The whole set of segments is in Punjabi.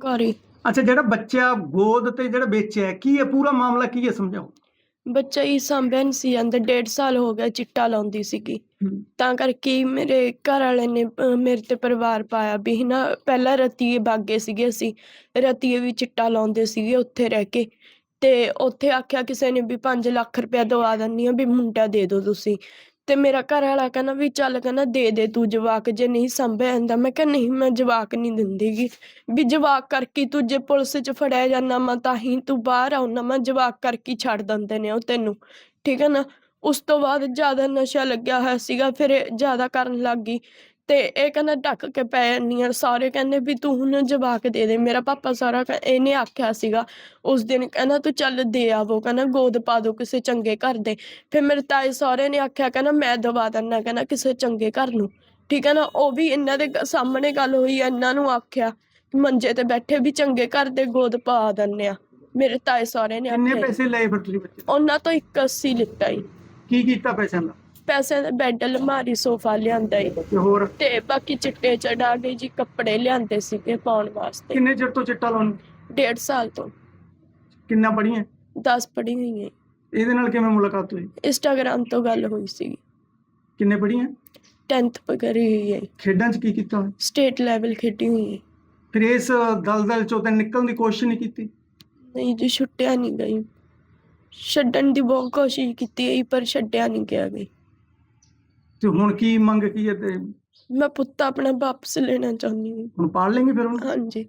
ਘਰ ਹੀ। ਅੱਛਾ, ਜਿਹੜਾ ਬੱਚਾ ਗੋਦ ਤੇ ਜਿਹੜਾ ਵੇਚਿਆ ਕੀ ਹੈ, ਪੂਰਾ ਮਾਮਲਾ ਕੀ ਹੈ, ਸਮਝਾਓ। ਬੱਚਾ ਹੀ ਸਾਂਭਿਆ ਨਹੀਂ ਸੀ ਜਾਂਦਾ, 1.5 ਸਾਲ ਹੋ ਗਿਆ ਚਿੱਟਾ ਲਾਉਂਦੀ ਸੀਗੀ। ਤਾਂ ਕਰਕੇ ਹੀ ਮੇਰੇ ਘਰ ਵਾਲੇ ਨੇ ਮੇਰੇ ਤੇ ਪਰਿਵਾਰ ਪਾਇਆ ਵੀ ਨਾ, ਪਹਿਲਾਂ ਰਤੀਏ ਬਾਗੇ ਸੀਗੇ, ਅਸੀਂ ਰਤੀਏ ਵੀ ਚਿੱਟਾ ਲਾਉਂਦੇ ਸੀਗੇ ਉੱਥੇ ਰਹਿ ਕੇ। ਤੇ ਉੱਥੇ ਆਖਿਆ ਕਿਸੇ ਨੇ ਵੀ 5 ਲੱਖ ਰੁਪਇਆ ਦਵਾ ਦਿੰਦੀ ਆ, ਵੀ ਮੁੰਡਾ ਦੇ ਦਿਓ ਤੁਸੀਂ। ਤੇ ਮੇਰਾ ਘਰ ਵਾਲਾ ਕਹਿੰਦਾ ਵੀ ਚੱਲ, ਕਹਿੰਦਾ ਦੇ ਤੂੰ ਜਵਾਕ, ਜੇ ਨਹੀਂ ਸਾਂਭਿਆ ਜਾਂਦਾ। ਮੈਂ ਕਿਹਾ ਨਹੀਂ, ਮੈਂ ਜਵਾਕ ਨਹੀਂ ਦਿੰਦੀ ਗੀ, ਵੀ ਜਵਾਕ ਕਰਕੇ ਤੂੰ ਜੇ ਪੁਲਿਸ 'ਚ ਫੜਿਆ ਜਾਂਦਾ ਮੈਂ ਤਾਂ ਹੀ ਤੂੰ ਬਾਹਰ ਆਉਣਾ, ਮੈਂ ਜਵਾਕ ਕਰਕੇ ਛੱਡ ਦਿੰਦੇ ਨੇ ਉਹ ਤੈਨੂੰ, ਠੀਕ ਹੈ ਨਾ। ਉਸ ਤੋਂ ਬਾਅਦ ਜ਼ਿਆਦਾ ਨਸ਼ਾ ਲੱਗਿਆ ਹੋਇਆ ਸੀਗਾ, ਫਿਰ ਇਹ ਜ਼ਿਆਦਾ ਕਰਨ ਲੱਗ ਗਈ। ਤੇ ਇਹ ਕਹਿੰਦਾ ਢੱਕ ਕੇ ਪੈ ਜਾਂਦੀ ਆ, ਸਾਰੇ ਕਹਿੰਦੇ ਵੀ ਤੂੰ ਹੁਣ ਜਵਾਕ ਦੇ ਦੇ। ਮੇਰਾ ਪਾਪਾ ਸਾਰਾ ਇਹਨੇ ਆਖਿਆ ਸੀਗਾ ਉਸ ਦਿਨ, ਕਹਿੰਦਾ ਤੂੰ ਚੱਲ ਦੇ ਆਵੋ, ਕਹਿੰਦਾ ਗੋਦ ਪਾ ਦੋ ਕਿਸੇ ਚੰਗੇ ਘਰ ਦੇ। ਫਿਰ ਮੇਰੇ ਤਾਏ ਸਹੁਰੇ ਨੇ ਆਖਿਆ, ਕਹਿੰਦਾ ਮੈਂ ਦਵਾ ਦਿੰਦਾ, ਕਹਿੰਦਾ ਕਿਸੇ ਚੰਗੇ ਘਰ ਨੂੰ, ਠੀਕ ਹੈ ਨਾ। ਉਹ ਵੀ ਇਹਨਾਂ ਦੇ ਸਾਹਮਣੇ ਗੱਲ ਹੋਈ, ਇਹਨਾਂ ਨੂੰ ਆਖਿਆ ਮੰਜੇ ਤੇ ਬੈਠੇ ਵੀ ਚੰਗੇ ਘਰ ਦੇ ਗੋਦ ਪਾ ਦਿੰਦੇ ਆ। ਮੇਰੇ ਤਾਏ ਸਹੁਰੇ ਨੇ ਕਿੰਨੇ ਆਖਿਆ। ਪੈਸੇ ਲਏ ਫਿਰ ਤੁਸੀਂ ਬੱਚੇ ਤੋਂ? ਉਹਨਾਂ ਤੋਂ 81 ਲਿੱਤਾ ਜੀ। ਕੀ ਕੀਤਾ ਪੈਸਿਆਂ ਦਾ? ਪੈਸੇ ਦਾ ਬੈੱਡ, ਅਲਮਾਰੀ, ਸੋਫਾ ਲਿਆਂਦਾ ਜੀ। ਤੇ ਹੋਰ ਤੇ ਬਾਕੀ ਚਿੱਟੇ ਚੜਾ ਕੇ ਜੀ ਕੱਪੜੇ ਲਿਆਂਦੇ ਸੀਗੇ ਪਾਉਣ ਵਾਸਤੇ। ਕਿੰਨੇ ਚਿਰ ਤੋਂ ਚਿੱਟਾ ਲਾਉਣ? 1.5 ਸਾਲ ਤੋਂ। ਕਿੰਨਾ ਪੜ੍ਹੀਆਂ? 10 ਪੜ੍ਹੀ ਹੋਈ ਹੈ। ਇਹਦੇ ਨਾਲ ਕਿਵੇਂ ਮੁਲਾਕਾਤ ਹੋਈ? ਇੰਸਟਾਗ੍ਰਾਮ ਤੋਂ ਗੱਲ ਹੋਈ ਸੀ। ਕਿੰਨੇ ਪੜ੍ਹੀਆਂ? 10th ਕਰੀ ਹੋਈ ਹੈ। ਖੇਡਾਂ 'ਚ ਕੀ ਕੀਤਾ? ਸਟੇਟ ਲੈਵਲ ਖੇਡੀ ਹੋਈ ਹੈ। ਫਿਰ ਇਸ ਦਲਦਲ ਚੋਂ ਤਾਂ ਨਿਕਲਣ ਦੀ ਕੋਸ਼ਿਸ਼ ਨਹੀਂ ਕੀਤੀ? ਨਹੀਂ ਜੀ, ਛੁੱਟਿਆ ਨਹੀਂ ਗਈ। ਛੱਡਣ ਦੀ ਬਹੁਤ ਕੋਸ਼ਿਸ਼ ਕੀਤੀ ਹੈ ਪਰ ਛੱਡਿਆ ਨਹੀਂ ਗਿਆ ਗਈ। ਤੇ ਹੁਣ ਕੀ ਮੰਗ ਕੀ ਹੈ? ਤੇ ਮੈਂ ਪੁੱਤ ਆਪਣਾ ਵਾਪਸ ਲੈਣਾ ਚਾਹੁੰਦੀ ਹਾਂ। ਹੁਣ ਪਾਲ ਲੈਂਗੇ ਫਿਰ ਹੁਣ? ਹਾਂਜੀ।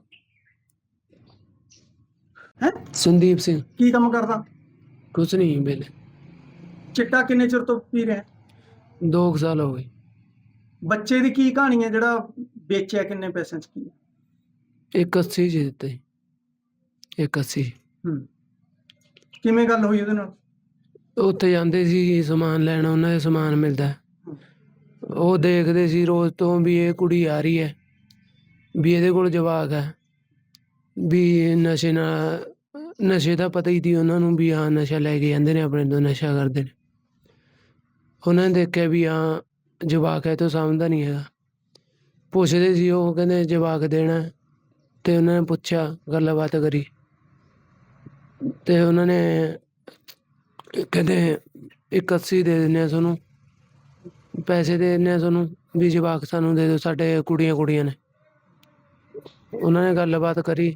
ਹੈ ਸੰਦੀਪ ਸਿੰਘ। ਕੀ ਕੰਮ ਕਰਦਾ? ਕੁਛ ਨਹੀਂ ਵੇਲੇ। ਚਿੱਟਾ ਕਿੰਨੇ ਚਿਰ ਤੋਂ ਪੀ ਰਿਹਾ? 2 ਸਾਲ ਹੋ ਗਏ। ਬੱਚੇ ਦੀ ਕੀ ਕਹਾਣੀ ਹੈ ਜਿਹੜਾ ਵੇਚਿਆ, ਕਿੰਨੇ ਪੈਸਿਆਂ 'ਚ ਕੀ ਹੈ? 81 ਜੀ ਦਿੱਤੇ। 81। ਕਿਵੇਂ ਗੱਲ ਹੋਈ ਉਹਦੇ ਨਾਲ? ਉੱਥੇ ਜਾਂਦੇ ਸੀ ਸਮਾਨ ਲੈਣ, ਉਹਨਾਂ ਦੇ ਸਮਾਨ ਮਿਲਦਾ, ਉਹ ਦੇਖਦੇ ਸੀ ਰੋਜ਼ ਤੋਂ ਵੀ ਇਹ ਕੁੜੀ ਆ ਰਹੀ ਹੈ, ਵੀ ਇਹਦੇ ਕੋਲ ਜਵਾਕ ਹੈ, ਵੀ ਨਸ਼ੇ ਦਾ ਪਤਾ ਹੀ ਸੀ ਉਹਨਾਂ ਨੂੰ ਵੀ ਹਾਂ ਨਸ਼ਾ ਲੈ ਕੇ ਜਾਂਦੇ ਨੇ, ਆਪਣੇ ਤੋਂ ਨਸ਼ਾ ਕਰਦੇ ਨੇ। ਉਹਨਾਂ ਨੇ ਦੇਖਿਆ ਵੀ ਹਾਂ ਜਵਾਕ ਹੈ, ਤੋਂ ਸਮਝਦਾ ਨਹੀਂ ਹੈਗਾ। ਪੁੱਛਦੇ ਸੀ, ਉਹ ਕਹਿੰਦੇ ਜਵਾਕ ਦੇਣਾ। ਅਤੇ ਉਹਨਾਂ ਨੇ ਪੁੱਛਿਆ, ਗੱਲਬਾਤ ਕਰੀ, ਅਤੇ ਉਹਨਾਂ ਨੇ ਕਹਿੰਦੇ 81 ਦੇ ਦਿੰਦੇ ਹਾਂ ਤੁਹਾਨੂੰ, ਪੈਸੇ ਦੇ ਦਿੰਦੇ ਹਾਂ ਤੁਹਾਨੂੰ, ਵੀ ਜਵਾਕ ਸਾਨੂੰ ਦੇ ਦਿਓ, ਸਾਡੇ ਕੁੜੀਆਂ ਨੇ। ਉਹਨਾਂ ਨੇ ਗੱਲਬਾਤ ਕਰੀ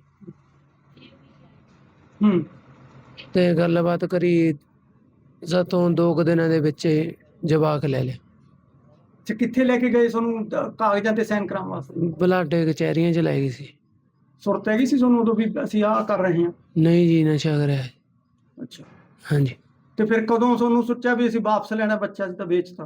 ਅਤੇ ਗੱਲਬਾਤ ਕਰੀ ਸਾਥੋਂ 2 ਕੁ ਦਿਨਾਂ ਦੇ ਵਿੱਚ ਜਵਾਕ ਲੈ ਲਿਆ। ਅੱਛਾ, ਕਿੱਥੇ ਲੈ ਕੇ ਗਏ ਤੁਹਾਨੂੰ ਕਾਗਜ਼ਾਂ ਤੇ ਸਾਈਨ ਕਰਾਉਣ ਵਾਸਤੇ? ਬਲਾਡੇ ਕਚਹਿਰੀਆਂ 'ਚ ਲੈ ਗਈ ਸੀ। ਸੁਰਤ ਹੈਗੀ ਸੀ ਤੁਹਾਨੂੰ ਉਦੋਂ ਵੀ ਅਸੀਂ ਆਹ ਕਰ ਰਹੇ ਹਾਂ? ਨਹੀਂ ਜੀ, ਨਸ਼ਾ ਕਰਿਆ। ਅੱਛਾ। ਹਾਂਜੀ। ਤੇ ਫਿਰ ਕਦੋਂ ਤੁਹਾਨੂੰ ਸੋਚਿਆ ਵੀ ਅਸੀਂ ਵਾਪਸ ਲੈਣਾ ਬੱਚਾ, ਅਸੀਂ ਤਾਂ ਵੇਚਤਾ?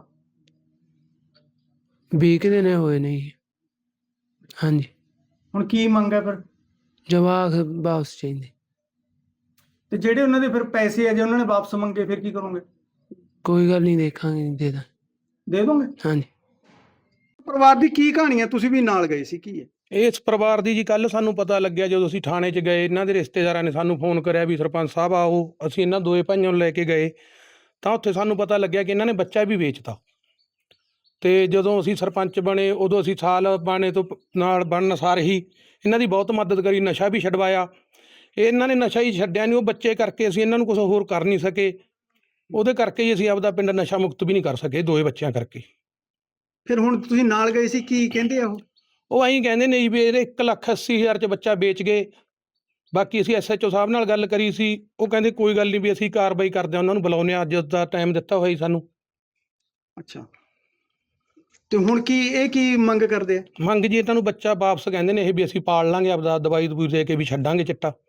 20 ਕੁ ਦਿਨ ਹੋਏ ਨੇ ਜੀ। ਹਾਂਜੀ। ਹੁਣ ਕੀ ਮੰਗ ਹੈ ਫਿਰ? ਜਵਾਕ ਵਾਪਸ ਚਾਹੀਦੇ। ਤੇ ਜਿਹੜੇ ਉਹਨਾਂ ਦੇ ਫਿਰ ਪੈਸੇ ਆ, ਜੇ ਉਹਨਾਂ ਨੇ ਵਾਪਸ ਮੰਗੇ ਫਿਰ ਕੀ ਕਰੋਗੇ? ਕੋਈ ਗੱਲ ਨਹੀਂ, ਦੇਖਾਂਗੇ, ਦੇ ਦੋਗੇ? ਹਾਂਜੀ। ਪਰਿਵਾਰ ਦੀ ਕੀ ਕਹਾਣੀ ਹੈ? ਤੁਸੀਂ ਵੀ ਨਾਲ ਗਏ ਸੀ, ਕੀ ਹੈ? ਇਸ ਪਰਿਵਾਰ ਦੀ ਜੀ ਕੱਲ੍ਹ ਸਾਨੂੰ ਪਤਾ ਲੱਗਿਆ ਜਦੋਂ ਅਸੀਂ ਥਾਣੇ 'ਚ ਗਏ, ਇਹਨਾਂ ਦੇ ਰਿਸ਼ਤੇਦਾਰਾਂ ਨੇ ਸਾਨੂੰ ਫੋਨ ਕਰਿਆ ਵੀ ਸਰਪੰਚ ਸਾਹਿਬ ਆਓ। ਅਸੀਂ ਇਹਨਾਂ ਦੋਏ ਭਾਈਆਂ ਨੂੰ ਲੈ ਕੇ ਗਏ ਤਾਂ ਉੱਥੇ ਸਾਨੂੰ ਪਤਾ ਲੱਗਿਆ ਕਿ ਇਹਨਾਂ ਨੇ ਬੱਚਾ ਵੀ ਵੇਚਤਾ। ਅਤੇ ਜਦੋਂ ਅਸੀਂ ਸਰਪੰਚ ਬਣੇ ਉਦੋਂ ਅਸੀਂ ਸਾਲ ਬਾਣੇ ਤੋਂ ਨਾਲ ਬਣਨ ਸਾਰ ਹੀ ਇਹਨਾਂ ਦੀ ਬਹੁਤ ਮਦਦ ਕਰੀ, ਨਸ਼ਾ ਵੀ ਛਡਵਾਇਆ। ਇਹਨਾਂ ਨੇ ਨਸ਼ਾ ਹੀ ਛੱਡਿਆ ਨਹੀਂ, ਉਹ ਬੱਚੇ ਕਰਕੇ ਅਸੀਂ ਇਹਨਾਂ ਨੂੰ ਕੁਛ ਹੋਰ ਕਰ ਨਹੀਂ ਸਕੇ। ਉਹਦੇ ਕਰਕੇ ਹੀ ਅਸੀਂ ਆਪਦਾ ਪਿੰਡ ਨਸ਼ਾ ਮੁਕਤ ਵੀ ਨਹੀਂ ਕਰ ਸਕੇ, 2 ਬੱਚਿਆਂ ਕਰਕੇ। ਫਿਰ ਹੁਣ ਤੁਸੀਂ ਨਾਲ ਗਏ ਸੀ, ਕੀ ਕਹਿੰਦੇ ਆ ਉਹ ਐਂ ਕਹਿੰਦੇ ਨੇ ਜੀ ਵੀ ਇਹਦੇ 1,80,000 'ਚ ਬੱਚਾ ਵੇਚ ਗਏ। ਬਾਕੀ ਅਸੀਂ SHO ਸਾਹਿਬ ਨਾਲ ਗੱਲ ਕਰੀ ਸੀ, ਉਹ ਕਹਿੰਦੇ ਕੋਈ ਗੱਲ ਨਹੀਂ, ਵੀ ਅਸੀਂ ਕਾਰਵਾਈ ਕਰਦੇ ਹਾਂ, ਉਹਨਾਂ ਨੂੰ ਬੁਲਾਉਂਦੇ ਹਾਂ, ਅੱਜ ਦਾ ਟਾਈਮ ਦਿੱਤਾ ਹੋਇਆ ਜੀ ਸਾਨੂੰ। ਅੱਛਾ, ਤੇ ਹੁਣ ਕੀ ਮੰਗ ਕਰਦੇ ਆ? ਮੰਗ ਜੀ ਇਹਨਾਂ ਨੂੰ ਬੱਚਾ ਵਾਪਸ ਕਹਿੰਦੇ ਨੇ ਇਹ, ਵੀ ਅਸੀਂ ਪਾਲ ਲਾਂਗੇ, ਆਪਦਾ ਦਵਾਈ ਦਵੂਈ ਦੇ ਕੇ ਵੀ ਛੱਡਾਂਗੇ ਚਿੱਟਾ।